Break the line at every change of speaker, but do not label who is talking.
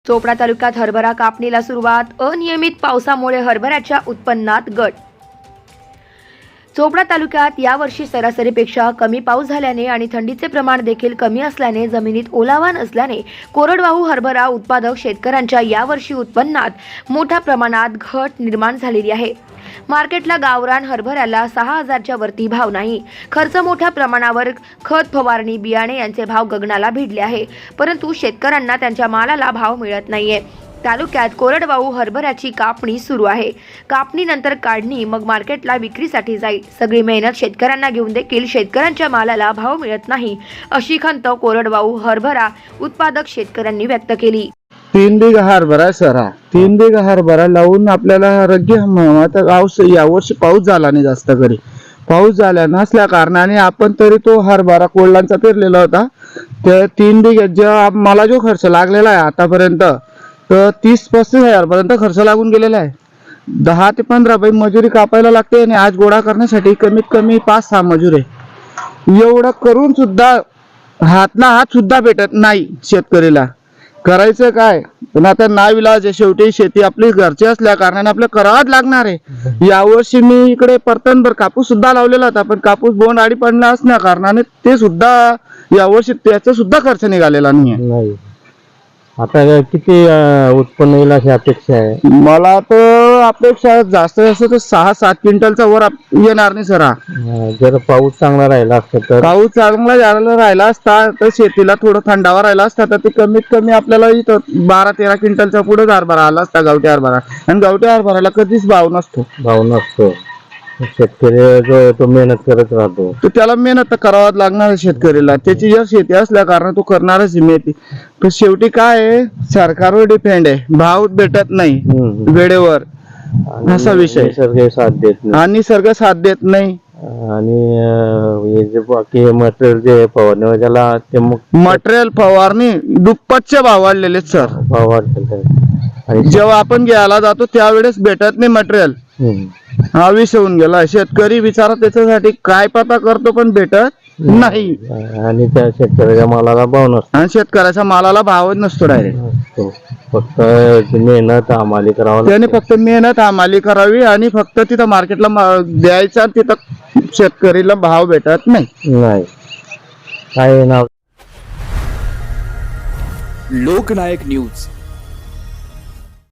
चोपडा तालुक्यात हरभरा कापणीला सुरुवात. अनियमित पावसामुळे हरभऱ्याच्या उत्पन्नात घट. चोपडा तालुक्यात यावर्षी सरासरीपेक्षा कमी पाऊस झाल्याने आणि थंडीचे प्रमाण देखील कमी असल्याने जमिनीत ओलावा नसल्याने कोरडवाहू हरभरा उत्पादक शेतकऱ्यांच्या यावर्षी उत्पन्नात मोठ्या प्रमाणात घट निर्माण झालेली आहे. मार्केटला गावरान हरभऱ्याला 6,000च्या वरती भाव नाही. खर्च मोठ्या प्रमाणावर खत फवारणी बियाणे यांचे भाव गगनाला भिडले आहे, परंतु शेतकऱ्यांना त्यांच्या मालाला भाव मिळत नाहीये. तालुक्यात कोरडवाहू हरभऱ्याची कापणी सुरू आहे. कापणीनंतर काढणी, मग मार्केटला विक्रीसाठी जाईल. सगळी मेहनत शेतकऱ्यांना घेऊन देखील शेतकऱ्यांच्या मालाला भाव मिळत नाही, अशी खंत कोरडवाहू हरभरा उत्पादक शेतकऱ्यांनी व्यक्त केली.
3 बिघा हरभरा आहे सर. 3 बिघा हरभरा लावून आपल्याला रग्गी हंगामात यावर्षी पाऊस झाला नाही. जास्त करी पाऊस झाला नसल्या कारणाने आपण तरी तो हरभरा कोल्हांचा पेरलेला होता. त्या 3 बिघ्यात मला जो खर्च लागलेला आहे आतापर्यंत, तर 30-35 हजारपर्यंत खर्च लागून गेलेला आहे. 10 ते 15 बाई मजुरी कापायला लागते आणि आज गोळा करण्यासाठी कमीत कमी 5-6 मजूर आहे. एवढं करून सुद्धा हातला हात सुद्धा भेटत नाही शेतकरीला. करायचं काय? पण आता नाविलाज आहे. शेवटी शेती आपली घरची असल्या कारणाने आपल्याला करावंच लागणार आहे. यावर्षी मी इकडे परतनभर कापूस सुद्धा लावलेला होता, पण कापूस बोंड आडी पडला असल्या कारणाने ते सुद्धा यावर्षी त्याचा सुद्धा खर्च निघालेला नाही.
आता किती उत्पन्न येईल अशी अपेक्षा आहे?
मला तर अपेक्षा जास्त तर 6-7 क्विंटलचा वर येणार नाही सर.
जर पाऊस चांगला राहिला असता तर?
पाऊस चांगला राहिला असता तर शेतीला थोडं थंडावा राहिला असता तर ते कमीत कमी आपल्याला इथं 12-13 क्विंटलचा पुढे हरभरा आला असता, गावठी हरभरा. आणि गावठी हरभऱ्याला कधीच भाव नसतो.
शेतकरी जो आहे तो मेहनत करत राहतो,
तर त्याला मेहनत तर करावाच लागणार शेतकरीला. त्याची जर शेती असल्या कारण तो करणारच मेहनती. तर शेवटी काय आहे, सरकारवर डिपेंड आहे. भाव भेटत नाही वेळेवर, असा विषय.
निसर्ग साथ देत नाही
आणि निसर्ग साथ देत नाही.
आणि हे जे बाकी मटेरियल जे फवारणी त्याला ते
मटेरियल फवारणी दुप्पटचे भाव वाढलेले सर.
भाव वाढतात. आणि
जेव्हा आपण घ्यायला जातो त्यावेळेस भेटत नाही मटेरियल. हा विषय होऊन गेला. शेतकरी बिचारा त्याच्यासाठी काय पता करतो पण भेटत नाही.
आणि त्या शेतकऱ्याच्या मालाला भाव नसतो.
आणि शेतकऱ्याच्या मालाला भावच नसतो डायरेक्ट.
फक्त मेहनत हमाली करावं
त्याने फक्त मेहनत हमाली करावी आणि फक्त तिथं मार्केटला द्यायचा. तिथं शेतकरीला भाव भेटत नाही.
काय नाव?
लोकनायक न्यूज